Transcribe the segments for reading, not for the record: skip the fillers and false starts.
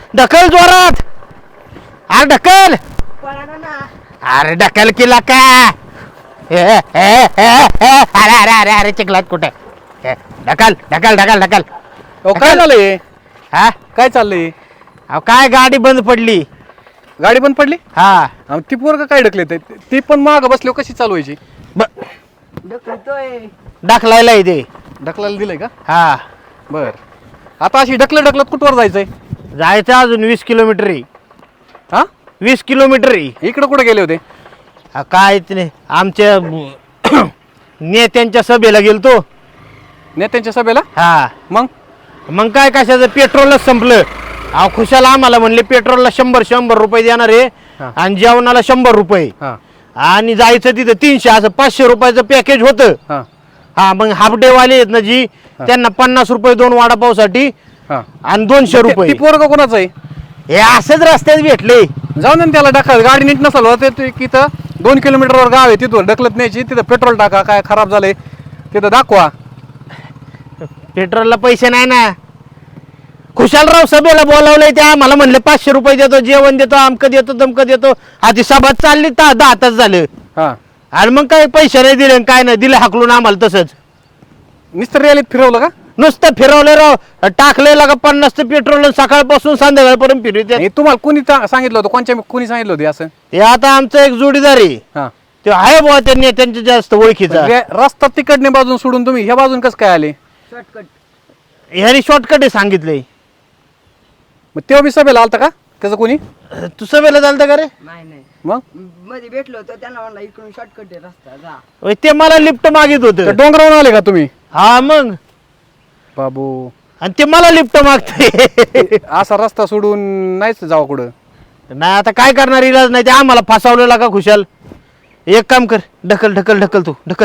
ढकल जोरात. अरे ढकल. अरे ढकल केला का? अरे अरे अरे अरे चिखलात कुठे? ढकल ढकल ढकल ढकल. काय झालंय? हा काय चाललंय? अहो काय गाडी बंद पडली. गाडी बंद पडली? हा ती पोरग काय ढकले ती पण माग बसली कशी चालवायची? ढकलायला इथे. ढकलायला दिलंय का? हा बर. आता अशी ढकलत कुठवर जायचंय? जायचं अजून 20 किलोमीटर आहे. हा 20 किलोमीटर आहे. इकडे कुठे गेले होते? काय नाही आमच्या नेत्यांच्या सभेला गेलतो. नेत्यांच्या सभेला? हा मग काय कशाचं पेट्रोलच संपलं. अहो खुशाला आम्हाला म्हणले पेट्रोलला 100 रुपये देणार आहे आणि जेवणाला 100 रुपये आणि जायचं तिथं 300 असं 500 रुपयाचं पॅकेज होतं. हा मग हाफ डे वाले आहेत ना जी त्यांना 50 रुपये 2 वडापावसाठी आणि 200 रुपये. पोरग कोणाचं आहे? हे असंच रस्त्यात भेटले. जाऊन ना त्याला ढकल. गाडी नीट नसल होते तिथं 2 किलोमीटरवर गाव आहे तिथून ढकलत न्यायची. तिथं पेट्रोल टाका. काय खराब झालंय तिथं दाखवा. पेट्रोलला पैसे नाही ना. खुशालराव सभेला बोलावलंय त्या मला म्हणले 500 रुपये देतो जेवण देतो अमकं देतो दमकं देतो. आधी सभा चालली 10 तास झालं आणि मग काय पैसे नाही दिले काय नाही दिले हाकलून आम्हाला. तसंच नुसतं रॅलीत फिरवलं का? नुसतं फिरवलं राव. टाकलेला का 50 पेट्रोल सकाळपासून संध्याकाळपर्यंत फिरवते. तुम्हाला कोणी सांगितलं होतं? कोणी सांगितलं होतं असं? ते आता आमचं एक जोडीदार आहे ते आहे बुवा त्या नेत्यांच्या जास्त ओळखीचा. रस्ता तिकडने बाजून सोडून तुम्ही ह्या बाजून कसं काय आले? ह्यानी शॉर्टकट सांगितलंय. मग तेव्हा मी सभेला आलता का त्याचं कोणी? तू सभेला चालतं का रे? नाही मग मध्ये भेटलो होतो त्यांना म्हणलं इकडून शॉर्टकट आहे रस्ता जा. ते मला लिफ्ट मागित होत. डोंगरावरून आले का तुम्ही? हा मग बाबू आणि ते मला लिफ्ट मागते. असा रस्ता सोडून नाहीच जावं कुठं. नाही आता काय करणार इलाज नाही. ते आम्हाला फसवलेला का खुशाल. एक काम कर ढकल ढकल ढकल तू ढकल.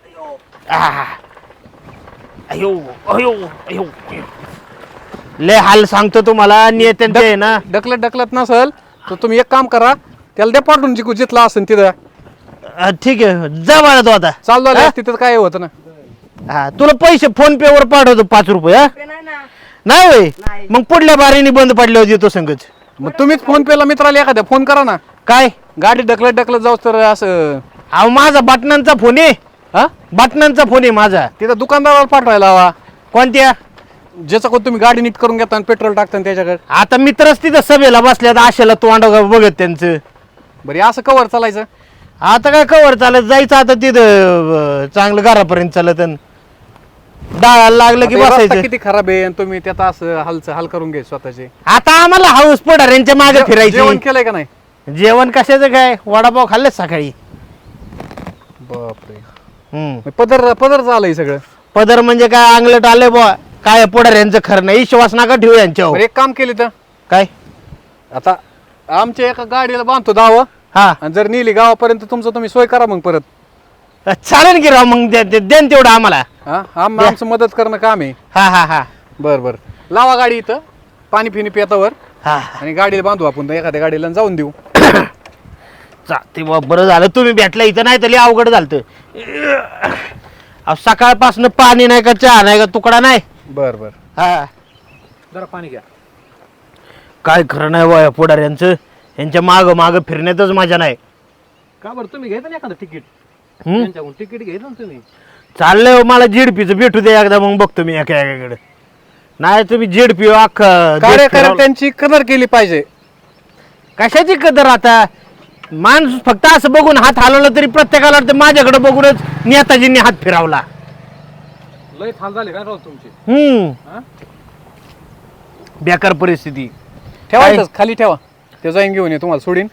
अयो अयो अयो लय हाल सांगतो तुम्हाला नेत्यांचे आहे ना. ढकलत नसल तर तुम्ही एक काम करा त्याला दे पाठवून जिकू जिथला असेल तिथं. ठीक आहे जा बाळा तू आता चालू आलं तिथं काय होतं ना. हा तुला पैसे फोन पे वर पाठवतो 5 रुपये. नाही होय मग पुढल्या बारीने बंद पडले होते तो संगच. मग तुम्हीच फोन पेला मित्राला एखाद्या फोन करा ना. काय गाडी ढकलत जाऊ तर असं. अहो माझा बटनांचा फोन आहे. हा बटनांचा फोन आहे माझा. तिथं दुकानदाराला पाठवायला हवा. कोणत्या? ज्याचं कोण तुम्ही गाडी नीट करून घेता आणि पेट्रोल टाकता त्याच्याकडे. आता मित्रच तिथं सभेला बसल्यात आशेला तोंड बघत त्यांचं. बरं असं कवर चालायचं? आता काय कवर चालत जायचं आता तिथं चांगलं घरापर्यंत चालत डाळाला लागलं की आता हे रस्ता बसायचं. किती खराब आहे आणि तुम्ही त्यात असं हाल करून घ्यायचे स्वतःचे. आता आम्हाला हाऊस पडार यांच्या मागे जेवण फिरायची. केलंय का नाही? जेवण कशाचं काय वडापाव खाल्लेच सकाळी. बापरे पदर झालंय सगळं. पदर म्हणजे काय अंगलट आले बुवा. काय पुढार यांचं खरं नाही. विश्वास नका ठेवू यांच्यावर. बरं, एक काम केले तर काय आता आमच्या एका गाडीला बांधतो दाव हा आणि जर नेली गावापर्यंत तुमचं तुम्ही सोय करा मग परत. चालेल की राव मग देन तेवढं आम्हाला. आमचं मदत करणं काम आहे. हा हा हा बर लावा गाडी इथं पाणी फिनी पितावर हा आणि गाडीला बांधू आपण एखाद्या गाडीला जाऊन देऊ. ते बरं झालं तुम्ही भेटला इथं. नाही तरी अवघड झालं. सकाळपासून पाणी नाही का चहा नाही का तुकडा नाही. बर हा जरा पाणी घ्या. काय खरं नाही वय पुढार यांचं. यांच्या माग फिरण्यातच मजा नाही. का बरं तुम्ही घ्यायचं ना एखादं तिकीट? तिकीट घ्यायचं ना तुम्ही. चाललंय मला जेडपीचं भेटू दे एकदा मग बघतो मी एकाकडे. नाही तुम्ही जेडपी कार्यकर्त्यांची कदर केली पाहिजे. कशाची कदर आता. माणूस फक्त असं बघून हात हलवला तरी प्रत्येकाला वाटतं माझ्याकडे बघूनच नेताजींनी हात फिरवला. लय हाल झाले का राव तुमचे? बेकार परिस्थिती. ठेवायचं खाली ठेवा. ते जाईन घेऊन ये तुम्हाला सोडीन.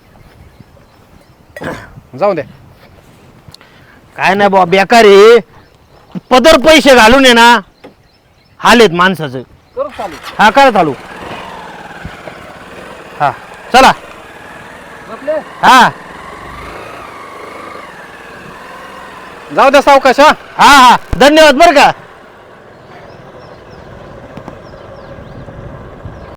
जाऊ द्या. काय नाही बाबा बेकार आहे. पदर पैसे घालून ये ना हालेत माणसाचं. हा करा चालू. हा चला. हा जाऊ द्या सावकाश. हा हा धन्यवाद बरं का.